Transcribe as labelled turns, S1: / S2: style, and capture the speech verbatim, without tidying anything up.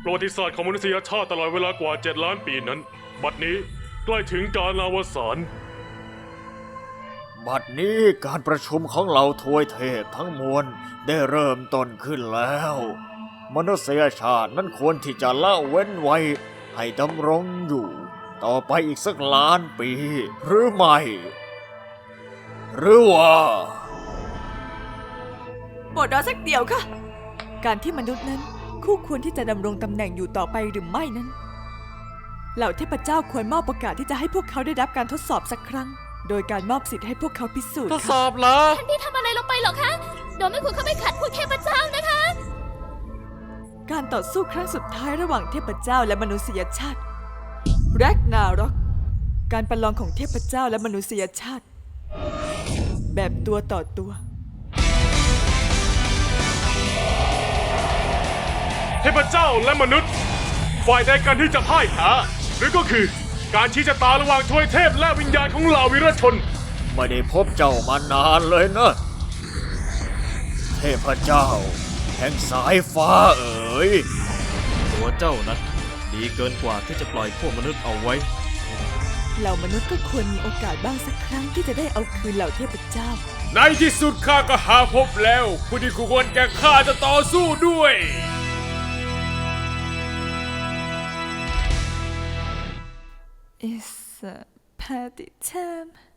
S1: ประวัติศาสตร์ของมนุษยชาติตลอดเวลากว่าเจ็ดล้านปีนั้นบัดนี้ใกล้ถึงการอวสาน
S2: บัดนี้การประชุมของเหล่าทวยเทพทั้งมวลได้เริ่มต้นขึ้นแล้ว มนุษยชาตินั้นควรที่จะละเว้นไว้ให้ดำรงอยู่ ต่อไปอีกสักล้านปี หรือไม่ หรือว่า
S3: โปรดรอสักเดียวค่ะ การที่มนุษย์นั้นคู่ควรที่จะดำรงตำแหน่งอยู่ต่อไปหรือไม่นั้น เหล่าเทพเจ้าควรมอบโอกาสที่จะให้พวกเขาได้รับการทดสอบสักครั้ง โดยการมอบสิทธิ์ให้พวกเขาพิสูจน์
S1: ทดส
S3: ค่ะ
S1: อบเหรอ
S4: ท่านพี่ทำอะไรลงไปเหรอคะ โดยไม่ควรเข้าไปขัดพวกเทพเจ้านะคะ
S3: การต่อสู้ครั้งสุดท้ายระหว่างเทพเจ้าและมนุษยชาติแรกนารอกการประลองของเทพเจ้าและมนุษยชาติ แบบตัวต่อตัว
S1: เทพเจ้าและมนุษย์ฝ่ายใดกันที่จะพ่ายแพ้หรือก็คือการชี้ชะตาระหว่างทวยเทพและวิญญาณของเหล่าวีรชน
S2: ไม่ได้พบเจ้ามานานเลยนะ เทพเจ้า แห่งสายฟ้าเอ๋ย
S5: ตัวเจ้านั้นดีเกินกว่าที่จะปล่อยพวกมนุษย์เอาไว้
S3: เหล่ามนุษย์ก็ควรมีโอกาสบ้างสักครั้งที่จะได้เอาคืนเหล่าเทพเจ้า
S1: ในที่สุดข้าก็หาพบแล้วผู้ที่ควรแก่ข้าจะต่อสู้ด้วย
S3: It's a party time